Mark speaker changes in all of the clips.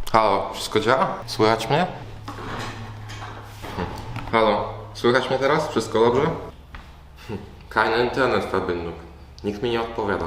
Speaker 1: Halo, wszystko działa? Słychać mnie? Halo, słychać mnie teraz? Wszystko dobrze? Keine Internetverbindung. Nikt mi nie odpowiada.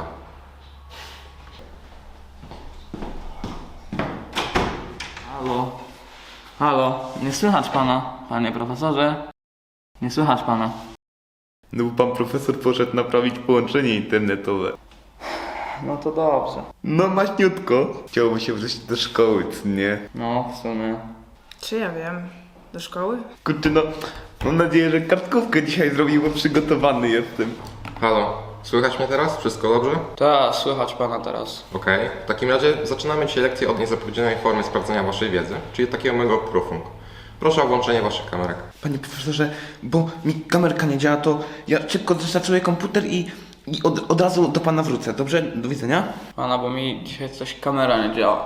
Speaker 2: Halo? Halo? Nie słychać pana, panie profesorze? Nie słychać pana.
Speaker 3: No bo pan profesor poszedł naprawić połączenie internetowe.
Speaker 2: No to dobrze.
Speaker 3: No maśniutko. Chciałoby się wrócić do szkoły, co nie?
Speaker 2: No, w sumie.
Speaker 4: Czy ja wiem? Do szkoły?
Speaker 3: Kurczę, no mam nadzieję, że kartkówkę dzisiaj zrobił, bo przygotowany jestem.
Speaker 1: Halo, słychać mnie teraz? Wszystko dobrze?
Speaker 2: Tak, słychać pana teraz.
Speaker 1: Okej. W takim razie zaczynamy dzisiaj lekcję od niezapowiedzianej formy sprawdzenia waszej wiedzy, czyli takiego mego profung. Proszę o włączenie waszych kamerek.
Speaker 3: Panie profesorze, bo mi kamerka nie działa, to ja szybko zrestartuję komputer i od razu do pana wrócę, dobrze? Do widzenia.
Speaker 2: Pana, bo mi dzisiaj coś kamera nie działa.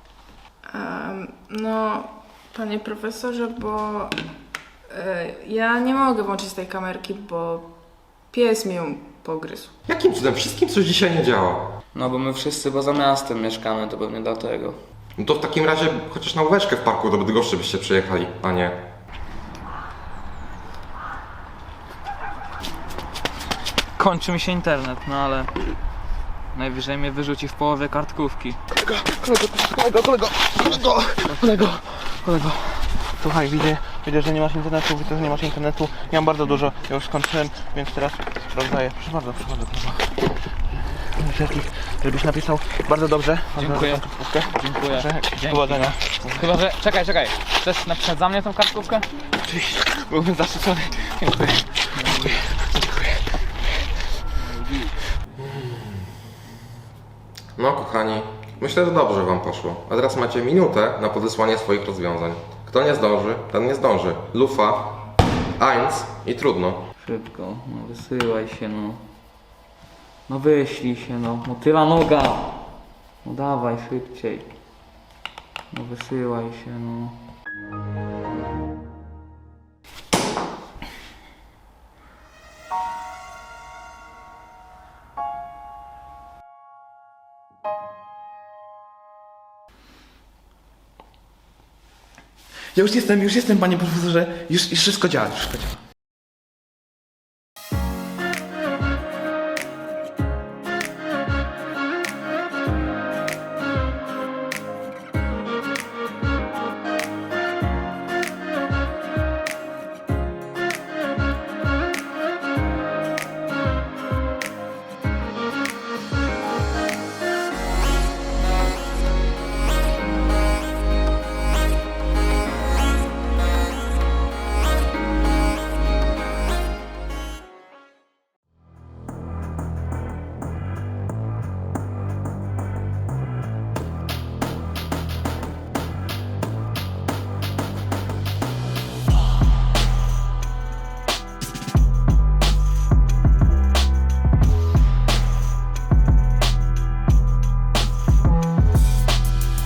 Speaker 4: No, panie profesorze, bo ja nie mogę włączyć tej kamerki, bo pies mi ją pogryzł.
Speaker 1: Jakim cudem? Wszystkim coś dzisiaj nie działa.
Speaker 2: No bo my wszyscy poza miastem mieszkamy, to pewnie dlatego.
Speaker 1: No to w takim razie chociaż na łóweczkę w parku do Bydgoszczy byście przyjechali, a nie.
Speaker 2: Kończy mi się internet, no ale najwyżej mnie wyrzuci w połowie kartkówki.
Speaker 3: Kolego. Słuchaj, widzę, że nie masz internetu, widzę, że nie masz internetu. Ja mam bardzo dużo, ja już skończyłem, więc teraz rozdaję. Proszę bardzo. Wszystkich, żebyś napisał bardzo dobrze.
Speaker 2: Dziękuję. Dziękuję.
Speaker 3: Proszę,
Speaker 2: Dzięki.
Speaker 3: powodzenia.
Speaker 2: Chyba, że... Czekaj. Chcesz napisać za mnie tą kartkówkę?
Speaker 3: Oczywiście, byłbym zasycony. Dziękuję.
Speaker 1: No kochani, myślę, że dobrze wam poszło. A teraz macie minutę na podesłanie swoich rozwiązań. Kto nie zdąży, ten nie zdąży. Lufa, eins i trudno.
Speaker 2: Szybko, no wysyłaj się, no. No wyślij się, no. Motyla noga. No dawaj, szybciej. No wysyłaj się, no.
Speaker 3: Ja już jestem, panie profesorze. Już wszystko działa,